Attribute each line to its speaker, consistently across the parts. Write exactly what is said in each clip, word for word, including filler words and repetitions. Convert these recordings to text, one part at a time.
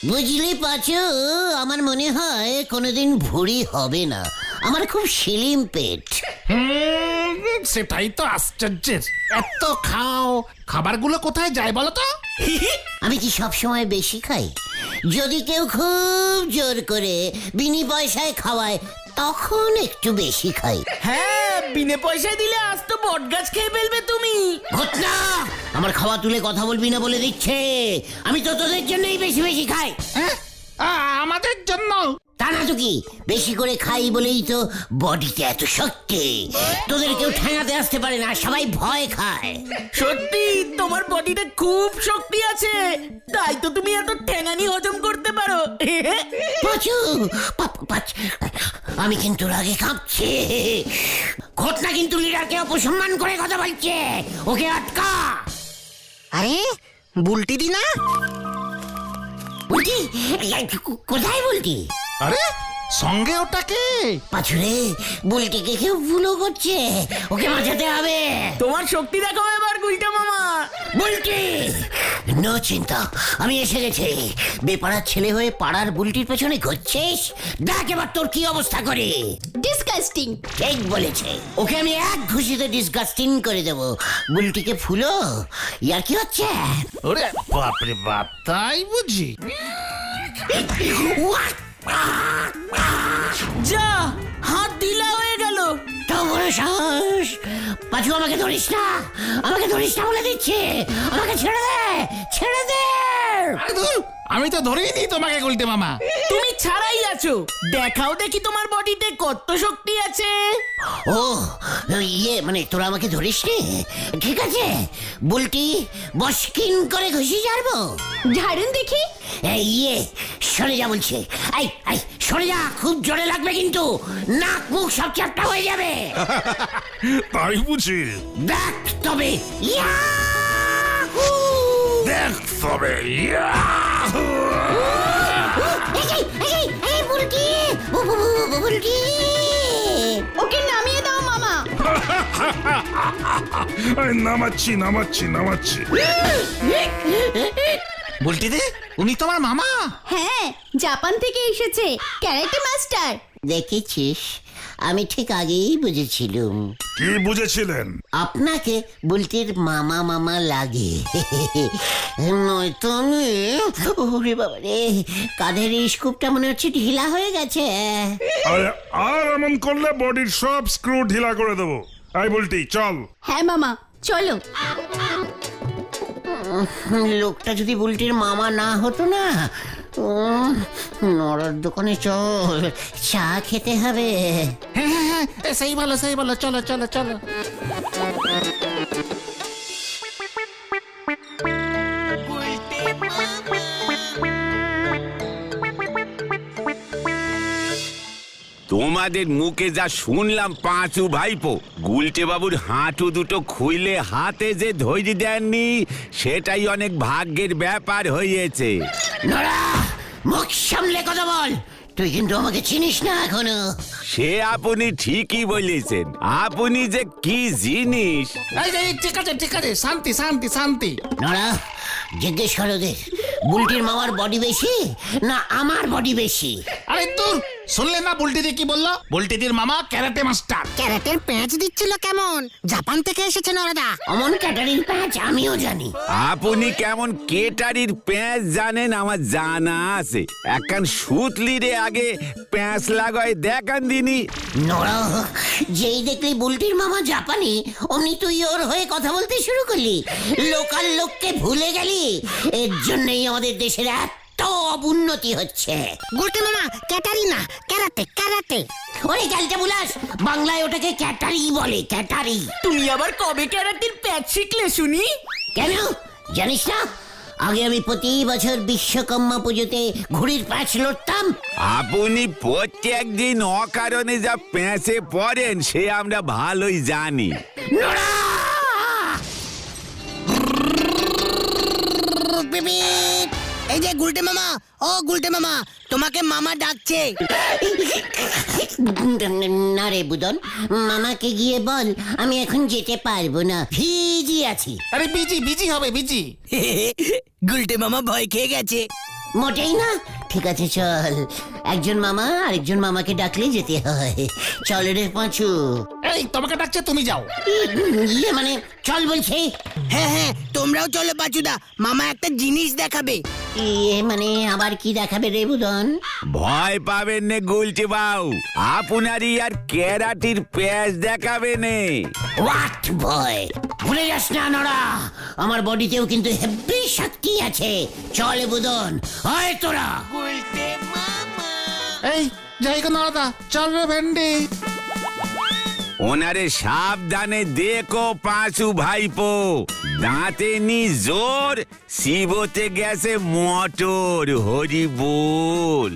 Speaker 1: বুঝলি পাচু, আমার মনে হয় কোনোদিন ভুঁড়ি হবে না। আমার খুব শিলিম পেট।
Speaker 2: হুম, সেটাই তো আশ্চর্যের। এত খাও, খাবারগুলো কোথায় যায় বলো তো?
Speaker 1: আমি কি সব সময় বেশি খাই? যদি কেউ খুব জোর করে বিনি পয়সায় খাওয়ায় তখন একটু বেশি খাই।
Speaker 3: হ্যাঁ, বিনে পয়সায় দিলে আজ তো বট গাছ খেয়ে ফেলবে তুমি।
Speaker 1: ঘটনা, আমার খাওয়া তুলে কথা বলবি না বলে দিচ্ছে। আমি তো তোদের জন্যই বেশি বেশি খাই।
Speaker 2: হ্যাঁ, আ, আমাদের জন্য?
Speaker 1: তা না তো কি, বেশি করে খাই বলেই তো বডিতে এত শক্তি। তোদের কেউ ঠেঙাতে আসতে পারে না, সবাই ভয় খায়।
Speaker 3: সত্যি তোমার বডিতে খুব শক্তি আছে, তাই তো তুমি এত ঠ্যাঙানি হজম করতে পারো।
Speaker 1: পাচু, পা- পাচ- আমি কিন্তু রাগে কাঁপছি। ঘটনা কিন্তু লিডারকে অপসম্মান করে কথা বলছে, ওকে আটকা।
Speaker 4: আরে বুলটি দি না?
Speaker 1: বলটি কোথায়? বলটি
Speaker 2: আরে সঙ্গে ওটাকে?
Speaker 1: পাচুরে, বুলটিকে কেউ ভুলো করছে, ওকে বাঁচাতে হবে।
Speaker 3: তোমার শক্তি দেখো এবার গুলটা মামা।
Speaker 1: বুলটি, নো চিন্তা, আমি এসে গেছি। বেপাড়ার ছেলে হয়ে পাড়ার বুলটির পেছনে ঘুরছিস? দেখ এবার তোর কি অবস্থা করে।
Speaker 5: ডিসকাস্টিং।
Speaker 1: ঠিক বলেছে, ওকে আমি এক ঘুষিতে ডিসগাস্টিং করে দেব। বুলটিকে ফুলো, ইয়ার কি হচ্ছে?
Speaker 2: ওরে বাপরে বাপ, তাই বুঝি?
Speaker 3: যা, হাত ঢিলা হয়ে গেল।
Speaker 1: তো বড় সাহস! পাঁচু, আমাকে ধরিস না, আমাকে ধরিস না বলে দিচ্ছে। আমাকে ছেড়ে দে, ছেড়ে দে।
Speaker 2: আরে ধুর, আমি তো ধরেই নি তোমাকে গুলটে মামা।
Speaker 3: তুমি ছাড়াই আছো, দেখাও দেখি তোমার বডিতে কত শক্তি আছে।
Speaker 1: ও ইয়ে, মানে তোরা আমাকে ধরিস নি? ঠিক আছে, বুলটি বসকিন করে ঘুষি ছাড়বো।
Speaker 5: ঝাড়ুন দেখি।
Speaker 1: এই ইয়ে, সরে যা বলছে। এই এই সরে যা, খুব জোরে লাগবে কিন্তু, নাক মুখ সব চ্যাপটা হয়ে যাবে।
Speaker 6: তাই বুঝি?
Speaker 1: দেখ তবে, ইয়াহু!
Speaker 6: দেখ তবে, ইয়াহু!
Speaker 1: এই যে, এই যে, এই বুলটি, বু- বু- বু- বু- বুলটি।
Speaker 5: ওকে নামিয়ে দাও মামা।
Speaker 6: এই নামাচ্ছি নামাচ্ছি নামাচ্ছি।
Speaker 2: বুলটি দে, উনি তোমার মামা?
Speaker 5: হ্যাঁ, জাপান থেকে এসেছে, ক্যারাটে মাস্টার।
Speaker 1: দেখেছিস, আমি ঠিক আগেই বুঝেছিলুম
Speaker 6: কি বুঝেছিলেন?
Speaker 1: আপনাকে বুলটির মামা মামা লাগে। নয়তো আমি, ওরে বাবা রে, কাঁধের স্কুপটা মনে হচ্ছে ঢিলা হয়ে গেছে।
Speaker 6: আরে আর এমন করলে বডির সব স্ক্রু ঢিলা করে দেবো। এই বলটি চল।
Speaker 5: হ্যাঁ মামা, চলো।
Speaker 1: লোকটা যদি বুলটির মামা না হতো না, উম, নড়ার দোকানে চল, চা খেতে হবে।
Speaker 2: হ্যাঁ হ্যাঁ হ্যাঁ, এ, সেই ভালো সেই ভালো, চলো চলো চলো।
Speaker 7: তোমাদের মুখে যা শুনলাম পাঁচু ভাইপো, গুলটে বাবুর হাঁটু দুটো খুইলে হাতে যে ধৈর্য দেননি, সেটাই অনেক ভাগ্যের ব্যাপার হয়েছে।
Speaker 1: নড়া, মুখ সামলে কথা বল। তুই কিন্তু আমাকে চিনিস না এখনো।
Speaker 7: সে আপনি ঠিকই বলেছেন, আপনি যে কি জিনিস।
Speaker 2: এই যে, এই, ঠিক আছে ঠিক আছে, শান্তি শান্তি শান্তি।
Speaker 1: নড়া, জিজ্ঞেস কর ওদের, বুলটির মামার বডি বেশি না আমার বডি বেশি?
Speaker 2: আরে দূর, শুনলে না বুলটিদি কি বললো? বুলটিদির মামা ক্যারাটে মাস্টার।
Speaker 4: ক্যারাটের প্যাঁচ দিচ্ছিল কেমন? জাপান থেকে এসেছে নরদা।
Speaker 1: অমন ক্যাটারিং প্যাঁচ আমিও জানি।
Speaker 7: আপনি কেমন কেটারির প্যাঁচ জানেন আমার জানা আছে। একখান সুতলিরে আগে প্যাঁচ লাগায় দেখান দিনি।
Speaker 1: নড়া, যেই দেখলি বুলটির মামা জাপানি, অমনি তুই ওর হয়ে কথা বলতে শুরু করলি। লোকাল লোককে ভুলে গেলি। এর জন্যই আমাদের দেশের এত অবুন্নতি হচ্ছে।
Speaker 4: গুলটি মামা ক্যাটারি না, ক্যারাটে ক্যারাটে।
Speaker 1: ওরে ক্যালটা বুলাস, বাংলায় ওটাকে ক্যাটারি বলে, ক্যাটারি।
Speaker 3: তুমি আবার কবে ক্যারাটির প্যাচ শিখলে শুনি?
Speaker 1: কেন জানিস না? আগে আমি প্রতি বছর বিশ্বকর্মা পুজোতে ঘুড়ির প্যাঁচ লড়তাম।
Speaker 7: আপনি প্রত্যেক দিন অকারণে যা প্যাঁচে পড়েন সে আমরা ভালোই জানি।
Speaker 1: নোরা!
Speaker 4: এই যে গুলটে মামা, ও গুলটে মামা, তোমাকে মামা ডাকছে।
Speaker 1: না রে বুদন, মামাকে গিয়ে বল আমি এখন যেতে পারবো না, ভিজি আছি।
Speaker 2: আরে বিজি বিজি হবে বিজি।
Speaker 3: গুলটে মামা ভয় খেয়ে গেছে।
Speaker 1: মোটেই না। ঠিক আছে চল, একজন মামা আরেকজন মামাকে ডাকলে যেতে হয়। চল রে পাঁচু।
Speaker 2: এই তোমাকে ডাকছে, তুমি যাও।
Speaker 1: ইয়ে মানে চল বলছি।
Speaker 4: হ্যাঁ হ্যাঁ তোমরাও চলো পাচুদা, মামা একটা জিনিস দেখাবে।
Speaker 1: ইয়ে মানে আবার কি দেখাবে রে বুদন?
Speaker 7: ভয় পাবেন নে গুলটে বাবু, আপনারই আর ক্যারাটির প্যাচ দেখাবে নে।
Speaker 1: হোয়াট ভয়? ভুলে যাস না নড়া, আমার বডিতেও কিন্তু হেভি শক্তি আছে। চল বুদন, হয় তোরা।
Speaker 2: এই যাই গো নরদা, চল রে ভেন্ডি।
Speaker 7: ওনারে সাবধানে দেখো পাঁচু ভাইপো, দাঁতে নি জোর, শিবতে গেছে মোটর, হরি বল।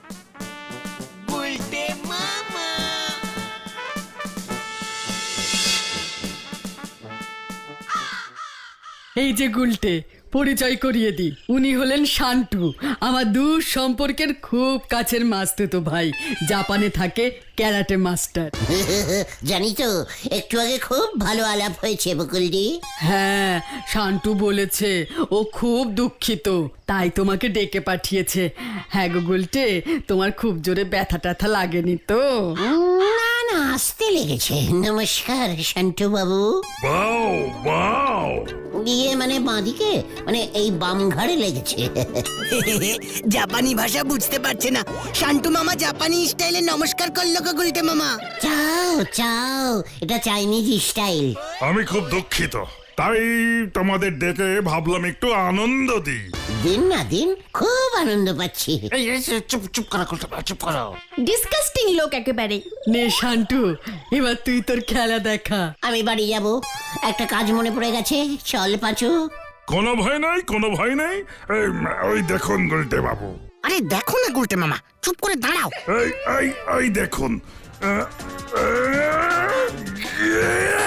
Speaker 8: এই যে গুলটে, পরিচয় করিয়ে দি, উনি হলেন শান্টু, আমার দূর সম্পর্কের খুব কাছের মাস্তুতো ভাই, জাপানে থাকে, ক্যারাটে মাস্টার।
Speaker 1: জানি তো, একটু আগে খুব ভালো আলাপ হয়েছে বকুলদি।
Speaker 8: হ্যাঁ, শান্টু বলেছে ও খুব দুঃখিত, তাই তোমাকে ডেকে পাঠিয়েছে। হ্যাঁ গো গুলটে, তোমার খুব জোরে ব্যথা ট্যাথা লাগেনি তো?
Speaker 1: না না, আসতে লেগেছে। নমস্কার শান্টু বাবু।
Speaker 6: বাও বাও।
Speaker 1: ইয়ে মানে বাঁদিকে, মানে এই বাম ঘাড়ে লেগেছে।
Speaker 4: জাপানি ভাষা বুঝতে পারছে না, শান্টু মামা জাপানি স্টাইলে নমস্কার করলো গো গুলটে মামা।
Speaker 1: চাও চাও, এটা চাইনিজ স্টাইল।
Speaker 6: আমি খুব দুঃখিত, তাই তোমাদের ডেকে ভাবলাম একটু আনন্দ দিই।
Speaker 1: দিন না দিন, খুব আনন্দ পাচ্ছি।
Speaker 2: এই এই, চুপ চুপ করো গুলটে বাবু, চুপ করো।
Speaker 5: ডিসকাস্টিং লোক একেবারে।
Speaker 8: নে শান্টু, এবার তুই তোর খেলা দেখা।
Speaker 1: আমি বাড়ি যাব, একটা কাজ মনে পড়ে গেছে। চল পাঁচু।
Speaker 6: কোনো ভয় নাই, কোনো ভয় নাই। এই, ওই দেখুন গুলটে বাবু,
Speaker 4: আরে দেখো না গুলটে মামা, চুপ করে দাঁড়াও।
Speaker 6: এই এই এই দেখুন। আহ, আহ, ইয়ে!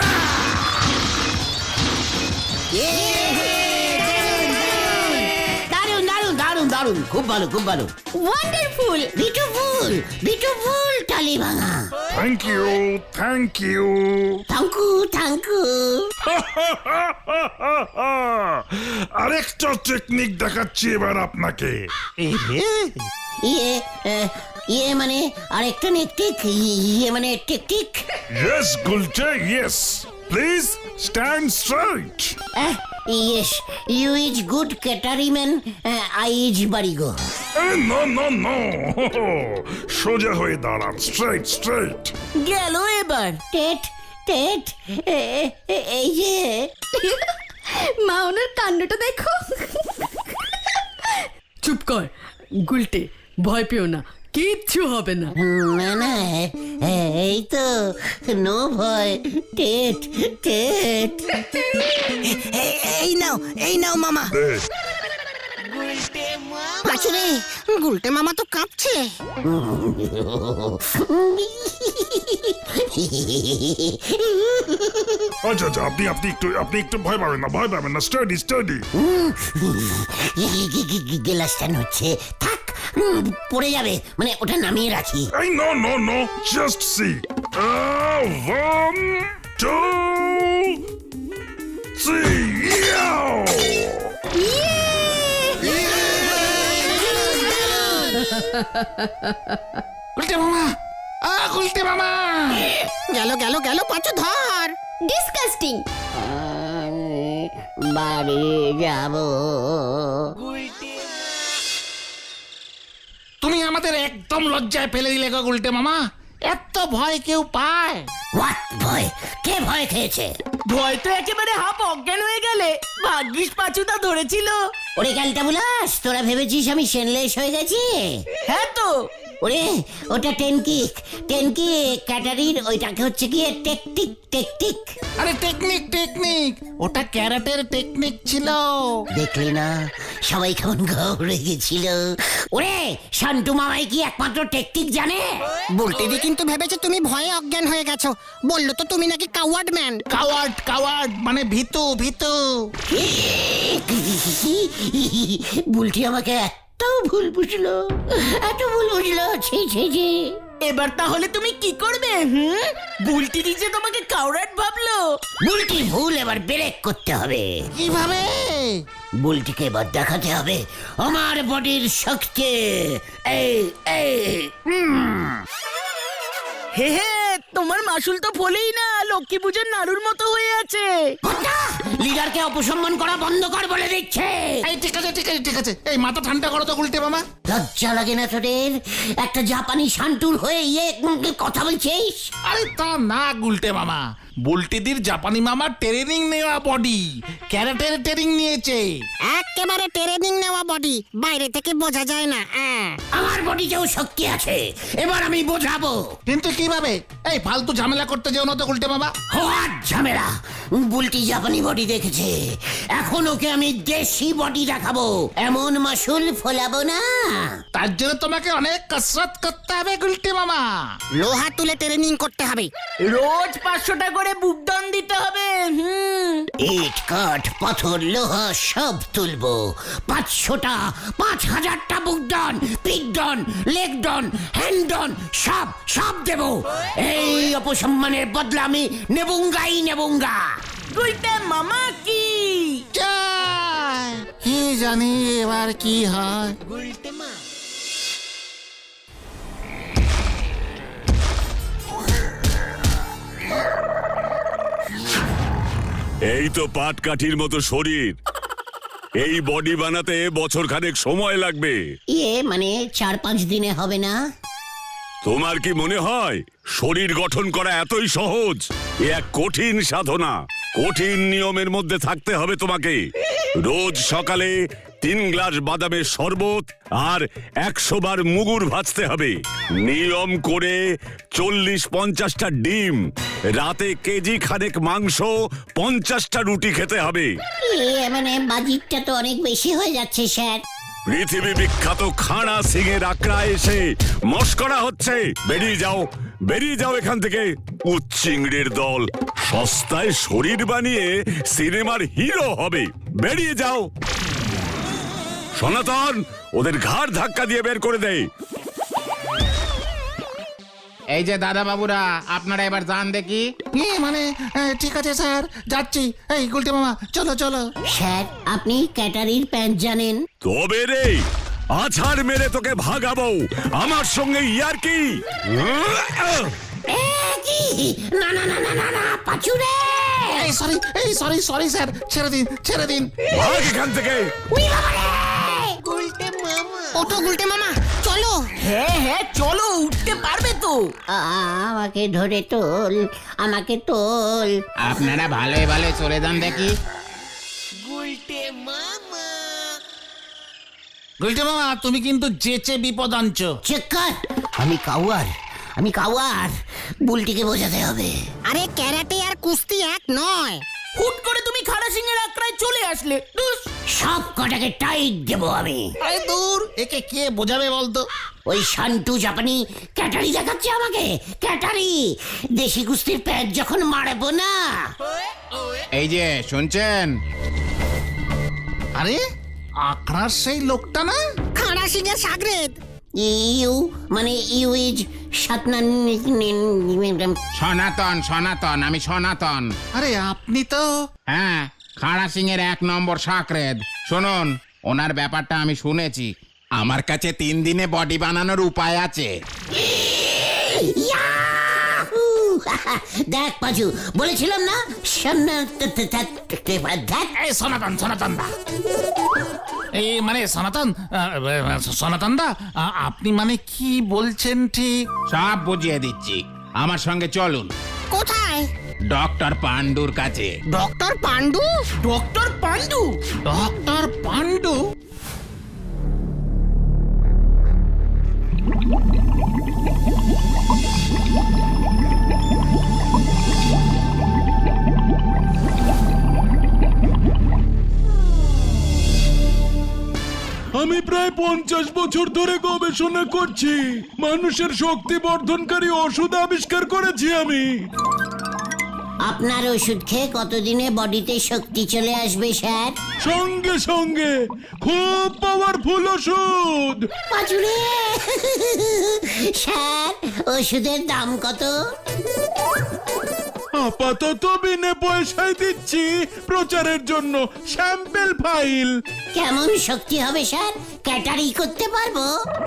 Speaker 1: দারুন দারুন দারুন দারুন, খুব ভালো খুব ভালো।
Speaker 5: ওয়ান্ডারফুল।
Speaker 1: বিউটিফুল বিউটিফুল টালি ভাঙা।
Speaker 6: Thank you, thank you.
Speaker 1: Thank you thank you.
Speaker 6: আরেকটা টেকনিক দেখাচ্ছি এবার আপনাকে।
Speaker 2: এই রে,
Speaker 1: ইয়ে আহ, ইয়ে মানে আরেকটা নেকটিক, ইয়ে মানে টিকটিক।
Speaker 6: Yes, Gulte, yes. Please stand straight.
Speaker 1: Yes, you is good ক্যাটারিম্যান, আই ইজ বাড়িগো।
Speaker 6: Eh, no, no, no. সোজা হয়ে দাঁড়ান, straight, straight.
Speaker 3: গেল এবার।
Speaker 1: টেট টেট, এ- এ- এই যে
Speaker 5: মা ওনার কাণ্ডটা দেখো।
Speaker 8: চুপ কর গুলটে, ভয় পেও না, কিচ্ছু হবে না।
Speaker 1: না না, এ- এই তো নো ভয়। TET TET.
Speaker 4: এ- এই নাও, এই নাও মামা।
Speaker 6: দে।
Speaker 4: পাচু রে, গুলটে মামা তো কাঁপছে।
Speaker 6: আচ্ছা আচ্ছা, আপনি আপনি একটু আপনি একটু ভয় পাবেন না, ভয় পাবেন না, স্টাডি স্টাডি।
Speaker 1: গেলাসটা হচ্ছে, থাক, উম, পড়ে যাবে, মানে ওটা নামিয়ে রাখি।
Speaker 6: এই no no no, just see. One two three.
Speaker 2: Gulte মামা, আ গুলটে মামা।
Speaker 4: গেল গেল গেল, পাচু ধর।
Speaker 5: ডিসকাস্টিং।
Speaker 1: আমি বাড়ি যাব।
Speaker 2: তুমি আমাদের একদম লজ্জায় ফেলে দিলে গো গুলটে মামা। এত ভয় কেউ পায়?
Speaker 1: হোয়াট ভয়? কে ভয় খেয়েছে?
Speaker 3: ভয় তো একেবারে হাফ অজ্ঞান হয়ে গেলে, ভাগ্যিস পাচুদা ধরেছিল।
Speaker 1: ওরে ক্যালটা বুলাস, তোরা ভেবেছিস আমি সেনলেস হয়ে গেছি?
Speaker 3: হ্যাঁ তো।
Speaker 1: ওরে ওটা টেনকিক, টেনকিক ক্যাটারির, ওইটাকে হচ্ছে গিয়ে টেকটিক টেকটিক।
Speaker 2: আরে টেকনিক টেকনিক, ওটা ক্যারাটের টেকনিক ছিল।
Speaker 1: দেখলি না সবাই কেমন ঘুরে গেছিল? ওরে শান্টু মামাই কি একমাত্র টেকটিক জানে?
Speaker 4: বুলটিদি কিন্তু ভেবেছে তুমি ভয়ে অজ্ঞান হয়ে গেছো, বললো তো তুমি নাকি কাওয়ার্ড ম্যান।
Speaker 2: কাওয়ার্ড কাওয়ার্ড মানে ভীতু ভীতু।
Speaker 1: বুলটি আমাকে এত ভুল বুঝলো, এত ভুল বুঝলো, ছি ছি ছি।
Speaker 3: এবার তাহলে তুমি কি করবে? হুম, বুলটি যে তোমাকে কাউরাট ভাবলো।
Speaker 1: বুলটি ভুল এবার ব্রেক করতে হবে।
Speaker 2: কিভাবে?
Speaker 1: বুলটিকে এবার দেখাতে হবে আমার বডির শক্তি। এই এই হুম।
Speaker 3: হে হে, তোমার মাসুল তো ফলেই না, লক্ষ্মী পুজোর নাড়ুর মতো হয়ে আছে।
Speaker 1: লিডারকে অপসম্মান করা বন্ধ কর বলে দিচ্ছে।
Speaker 2: এই ঠিক আছে ঠিক আছে ঠিক আছে এই মাথা ঠান্ডা করো তো গুলটে মামা।
Speaker 1: লজ্জা লাগে না তোদের? একটা জাপানি শান্তুর হয়ে ইয়ে উম, কথা বলছিস?
Speaker 2: আরে তা না গুলটে মামা, বুলটিদির জাপানি মামা ট্রেনিং নেওয়া বডি, ক্যারাটের ট্রেনিং নিয়েছে।
Speaker 4: একেবারে ট্রেনিং নেওয়া বডি, বাইরে থেকে বোঝা যায় না। আহ।
Speaker 1: আমার বডিতেও শক্তি আছে, এবার আমি বোঝাবো।
Speaker 2: কিন্তু কিভাবে? এই ফালতু ঝামেলা করতে যেও না তো গুলটে মামা।
Speaker 1: হওয়ার ঝামেলা। বুলটি জাপানি বডি দেখেছে, এখন ওকে আমি দেশি বডি দেখাবো। এমন মাসুল ফোলাবো না।
Speaker 2: তার জন্য তোমাকে অনেক কসরত করতে হবে গুলটে মামা।
Speaker 4: লোহা তুলে ট্রেনিং করতে হবে।
Speaker 3: রোজ পাঁচশোটা করে বুকডাউন দিতে হবে। হুম,
Speaker 1: ইট কাঠ পাথর লোহা সব তুলবো। পাঁচশোটা পাঁচ হাজারটা বুকডন পিকডন লেগডন হ্যান্ডন সব সব দেব। এই অপসম্মানের বদলা আমি নেবুঙ্গাই নেবুঙ্গা।
Speaker 3: গুলটে মামা কি
Speaker 2: জয়! কি জানি এবার কি হয়।
Speaker 9: এই তো পাটকাঠির মতো শরীর, এই বডি বানাতে বছর খানেক সময় লাগবে।
Speaker 1: ইয়ে মানে চার পাঁচ দিনে হবে না?
Speaker 9: তোমার কি মনে হয় শরীর গঠন করা এতই সহজ? এ এক কঠিন সাধনা, কঠিন নিয়মের মধ্যে থাকতে হবে তোমাকে। রোজ সকালে তিন গ্লাস বাদামের শরবত আর একশো বার মুগুর ভাজতে হবে। নিয়ম করে চল্লিশ পঞ্চাশটা ডিম, রাতে কেজি খানেক মাংস, পঞ্চাশটা রুটি খেতে হবে।
Speaker 1: ইয়ে মানে বাজিটটা তো অনেক বেশি হয়ে যাচ্ছে স্যার।
Speaker 9: পৃথিবী বিখ্যাত খাড়া সিং এর আকড়া এসে মস্করা হচ্ছে। বেরিয়ে যাও, বেরিয়ে যাও এখান থেকে। উচ্চিংড়ির দল সস্তায় শরীর বানিয়ে সিনেমার হিরো হবে। বেরিয়ে যাও। সনাতন, ওদের ঘাড় ধাক্কা দিয়ে বের করে দেয়।
Speaker 10: এই যে দাদা বাবুরা, আপনারা এবার যান দেখি।
Speaker 2: ইয়ে মানে এ, ঠিক আছে স্যার, যাচ্ছি। এই গুলটে মামা চলো চলো।
Speaker 1: স্যার আপনি ক্যাটারির প্যান্ট জানেন?
Speaker 9: তবে রে আছাড় মেরে তোকে ভাগাবো। আমার সঙ্গে ইয়ার কি?
Speaker 1: এ কি? না না না না না না পাচুরে।
Speaker 2: এই সরি এই সরি সরি স্যার, ছেড়ে দিন ছেড়ে দিন।
Speaker 9: ভাগ এখান থেকে।
Speaker 4: ওঠো গুলটে মামা, চলো।
Speaker 3: হ্যাঁ হ্যাঁ চলো, উঠতে পারবে তো?
Speaker 1: আ, আমাকে ধরে তোল, আমাকে তোল।
Speaker 10: আপনারা ভালোই ভালো চলে যান দেখি।
Speaker 2: গুলটে মামা তুমি কিন্তু যেচে বিপদ আনছো।
Speaker 1: চেক কর। আমি কাউয়ার, আমি কাউয়ার। বুলটিকে বোঝাতে হবে।
Speaker 4: আরে ক্যারাটে আর কুস্তি এক নয়।
Speaker 3: হুট করে তুমি খাড়া সিংহের আক্রায় চলে আসলে। ধুস।
Speaker 1: সব কটাকে টাইট দেবো আমি।
Speaker 2: আরে দূর, একে কে বোঝাবে বলতো?
Speaker 1: ওই শান্টু জাপানি ক্যাটারি দেখাচ্ছে আমাকে। ক্যাটারি দেশি কুস্তির প্যাচ যখন মারবো না।
Speaker 10: এই যে শুনছেন,
Speaker 2: আরে আখড়ার সেই লোকটা না?
Speaker 4: খাড়া সিং এর সাগরেদ।
Speaker 1: ইউ মানে ইউ ইজ সাতনান।
Speaker 10: সনাতন সনাতন, আমি সনাতন।
Speaker 2: আরে আপনি তো।
Speaker 10: হ্যাঁ, খাড়া সিং এর এক নম্বর সাকরেদ। শুনুন, ওনার ব্যাপারটা আমি শুনেছি। আমার কাছে তিন দিনে বডি বানানোর উপায় আছে।
Speaker 1: ইয়াহু! দেখ পাজু, বলেছিলাম না দেখ।
Speaker 2: এই সনাতন সনাতন দা, এই মানে সনাতন আহ, সনাতন দা, আ- আপনি মানে কি বলছেন ঠিক?
Speaker 10: সব বুঝিয়ে দিচ্ছি, আমার সঙ্গে চলুন।
Speaker 4: কোথায়?
Speaker 10: ডক্টর পান্ডুর কাছে।
Speaker 4: Doctor Pandu?
Speaker 3: Doctor Pandu?
Speaker 2: Doctor Pandu?
Speaker 11: আমি প্রায় পঞ্চাশ বছর ধরে গবেষণা করছি, মানুষের শক্তি বর্ধনকারী ওষুধ আবিষ্কার করেছি আমি।
Speaker 1: আপনার ওষুধ খেয়ে কতদিনে বডিতে শক্তি চলে আসবে স্যার?
Speaker 11: সঙ্গে সঙ্গে, খুব পাওয়ারফুল ওষুধ।
Speaker 1: পাজুরে স্যার ওষুধের দাম কত?
Speaker 11: আপাতত বিনে পয়সায় দিচ্ছি প্রচারের জন্য স্যাম্পল ফাইল।
Speaker 1: কেমন শক্তি হবে স্যার? ক্যাটারি করতে পারবো?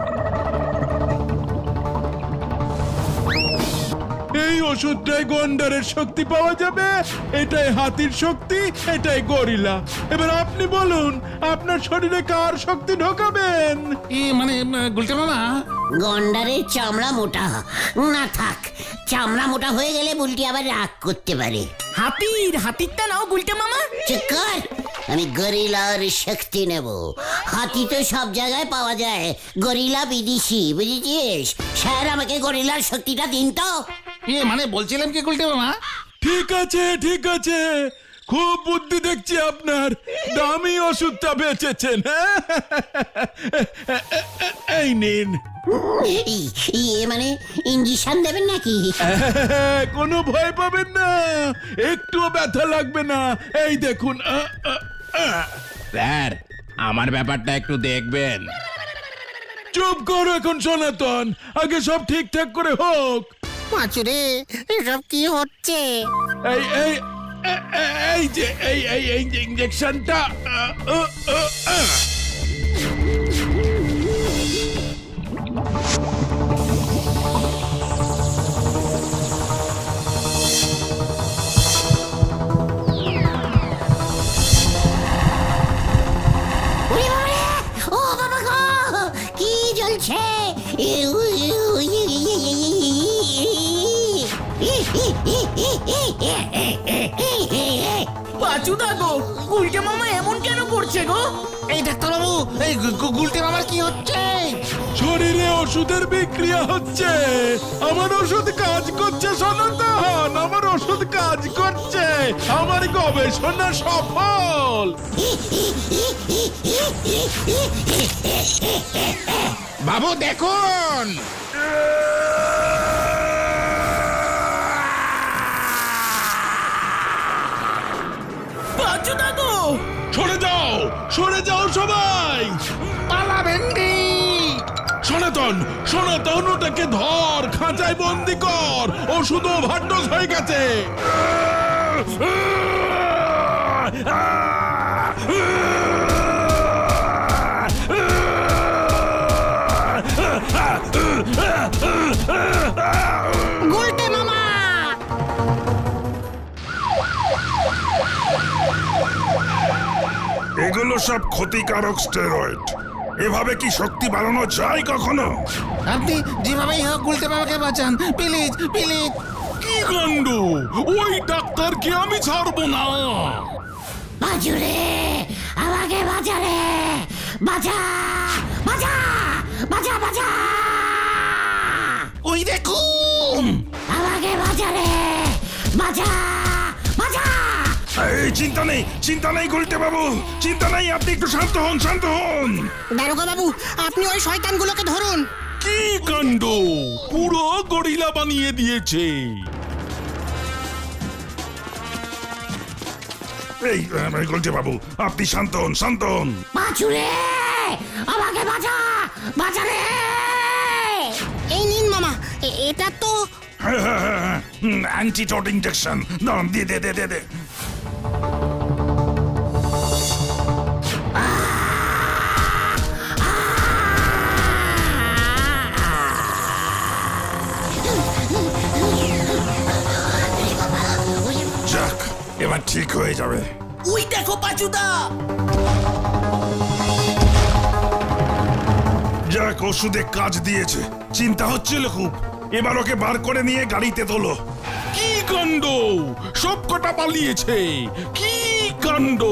Speaker 11: এই ওষুধটাই গন্ডারের শক্তি পাওয়া যাবে, এটাই হাতির শক্তি, এটাই গরিলা। এবার আপনি বলুন আপনার শরীরে কার শক্তি ঢোকাবেন?
Speaker 2: এ মানে গুলটে মামা,
Speaker 1: গন্ডারের চামড়া মোটা না থাক, চামড়া মোটা হয়ে গেলে বুলটি আবার রাগ করতে পারে।
Speaker 3: হাতির হাতিরটা নাও গুলটে মামা।
Speaker 1: চুপ কর, আমি গরিলার শক্তি নেব। হাতি তো সব জায়গায় পাওয়া যায়, গরিলা বিদেশি, বুঝেছিস? স্যার আমাকে গরিলার শক্তিটা দিন তো।
Speaker 2: এ মানে বলছিলাম কি গুলটে মামা,
Speaker 11: ঠিক আছে ঠিক আছে, খুব বুদ্ধি দেখছি আপনার, দামি ওষুধটা বেচেছেন। এই নিন।
Speaker 1: ই- ইয়ে মানে ইঞ্জেকশন দেবেন নাকি?
Speaker 11: কোনো ভয় পাবেন না, একটুও ব্যথা লাগবে না। এই দেখুন। আ, আ, আ।
Speaker 10: স্যার আমার ব্যাপারটা একটু দেখবেন।
Speaker 11: চুপ করো এখন সনাতন, আগে সব ঠিকঠাক করে হোক।
Speaker 1: পাঁচুরে, এসব কি হচ্ছে?
Speaker 11: এই এই এ- এ- এই যে এই এই এই যে ইঞ্জেকশনটা। আ, আ, আ, আ।
Speaker 1: ওরে বাবা রে! ও বাবা গো! কি জ্বলছে? ইউ, ইউ, ইউ, ইউ, ইউ, ইউ, ইউ।
Speaker 3: পাচুদা গো, গুলটে মামা এমন কেন করছে গো?
Speaker 2: এই ডাক্তারবাবু, এই গু- গু- গুলটে মামার কি হচ্ছে?
Speaker 11: শরীরে ওষুধের বিক্রিয়া হচ্ছে। আমার ওষুধ কাজ করছে সনাতন, আমার ওষুধ কাজ করছে, আমার গবেষণা সফল।
Speaker 10: বাবু দেখুন।
Speaker 3: পাচুদা গো,
Speaker 11: সরে যাও, সরে যাও সবাই।
Speaker 2: পালাবেন নি।
Speaker 11: সনাতন, সনাতন ওটাকে ধর, খাঁচায় বন্দি কর, ওষুধ ওভারডোজ হয়ে গেছে।
Speaker 1: গুলটে মামা!
Speaker 6: এগুলো সব ক্ষতিকারক স্টেরয়েড। এভাবে কি শক্তি বাড়ানো যায় কখনো?
Speaker 2: আপনি যেভাবেই হোক গুলটে মামাকে বাঁচান, প্লিজ প্লিজ।
Speaker 11: কি কাণ্ড! ওই ডাক্তারকে আমি ছাড়বো না।
Speaker 1: বাজুরে, আমাকে বাঁচা রে! বাঁচা! বাঁচা! বাঁচা, বাঁচা!
Speaker 2: ওই দেখুন,
Speaker 1: আমাকে বাঁচা রে! বাঁচা! বাঁচা!
Speaker 6: এই চিন্তা নেই, চিন্তা নেই গুলটে বাবু, চিন্তা নেই। আপনি একটু শান্ত হন, শান্ত হন।
Speaker 4: দারোগা বাবু, আপনি ওই শয়তানগুলোকে ধরুন।
Speaker 11: কি কাণ্ড! পুরো গরিলা বানিয়ে দিয়েছে।
Speaker 6: এই গুলটে বাবু, আপনি শান্ত হন, শান্ত হন।
Speaker 1: বাজুরে, আমাকে বাঁচা! বাঁচা রে!
Speaker 4: এই নিন মামা, এ- এটা তো
Speaker 6: অ্যান্টিডট ইনজেকশন। দাঁড়ান, দিয়ে দে দে দে দে। যাক, এবার ঠিক হয়ে যাবে।
Speaker 3: ওই দেখো পাচুদা।
Speaker 6: যাক, ওষুধে কাজ দিয়েছে। চিন্তা হচ্ছিল খুব। এবার ওকে বার করে নিয়ে গাড়িতে তোলো।
Speaker 11: কি কাণ্ড! সব কটা পালিয়েছে। কি কাণ্ড!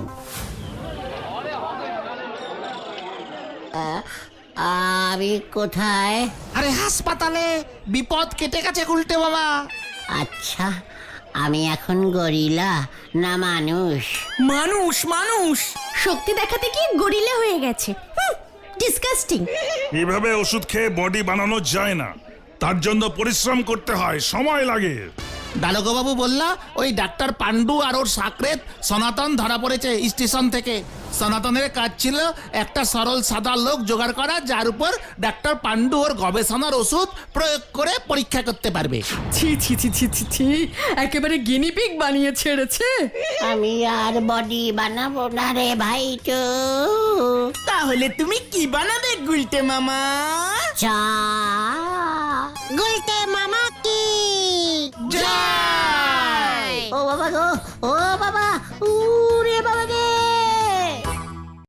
Speaker 1: আমি কোথায়?
Speaker 2: আরে হাসপাতালে। বিপদ কেটে গেছে গুলটে মামা।
Speaker 1: আচ্ছা, আমি এখন গরিলা না মানুষ?
Speaker 3: মানুষ মানুষ।
Speaker 5: শক্তি দেখাতে কি গরিলা হয়ে গেছে? ডিসকাস্টিং।
Speaker 6: এভাবে ওষুধ খেয়ে বডি বানানো যায় না, তার জন্য পরিশ্রম করতে হয়, সময় লাগে।
Speaker 2: দারোগাবাবু বললা ওই ডাক্তার পান্ডু আর ওর সাকরেত সনাতন ধরা পড়েছে স্টেশন থেকে। সনাতনের কাজ ছিল একটা সরল সাদা লোক জোগাড় করা, যার উপর ডাক্তার পান্ডু ওর গবেষণার ওষুধ প্রয়োগ করে পরীক্ষা করতে পারবে।
Speaker 8: ছি ছি ছি ছি ছি ছি একেবারে গিনিপিগ বানিয়ে ছেড়েছে।
Speaker 1: আমি আর বডি বানাবো না রে ভাইটু।
Speaker 3: তাহলে তুমি কি বানাবে গুলটে মামা?
Speaker 1: চা। গুলটে মামা কি
Speaker 3: জয়!
Speaker 1: ও বাবা গো, ও বাবা, উরে বাবা রে।